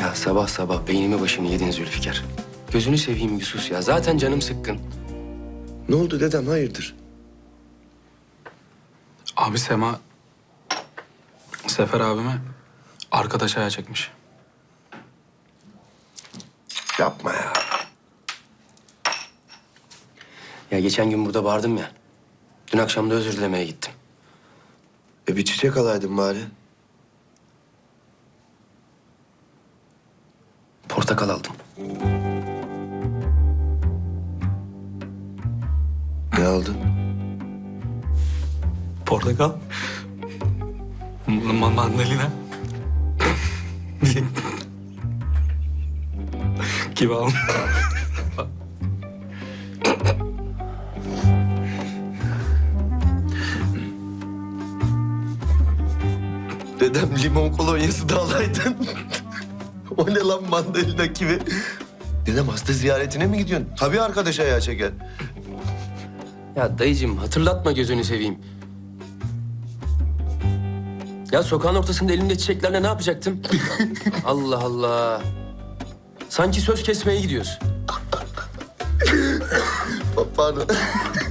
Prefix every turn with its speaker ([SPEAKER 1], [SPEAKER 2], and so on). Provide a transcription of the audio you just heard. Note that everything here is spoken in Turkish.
[SPEAKER 1] Ya sabah sabah beynimi başımı yedin Zülfikar. Gözünü seveyim bir sus ya. Zaten canım sıkkın.
[SPEAKER 2] Ne oldu dedem, hayırdır?
[SPEAKER 3] Abi Sema Sefer abime arkadaş ayağı çekmiş.
[SPEAKER 2] Yapma ya.
[SPEAKER 1] Ya geçen gün burada bağırdım ya. Dün akşam da özür dilemeye gittim.
[SPEAKER 2] Bir çiçek alaydın bari.
[SPEAKER 1] Portakal aldım.
[SPEAKER 2] Ne aldın?
[SPEAKER 3] Portakal. Mandalina. Gibi almış.
[SPEAKER 2] Dedem limon kolonyası da alaydın. O ne lan, mandalina gibi? Dedem hasta ziyaretine mi gidiyorsun? Tabii arkadaş ayağı çeker.
[SPEAKER 1] Ya dayıcığım hatırlatma gözünü seveyim. Ya sokağın ortasında elimde çiçeklerle ne yapacaktım? Allah Allah. Sanki söz kesmeye gidiyoruz.
[SPEAKER 2] Pardon.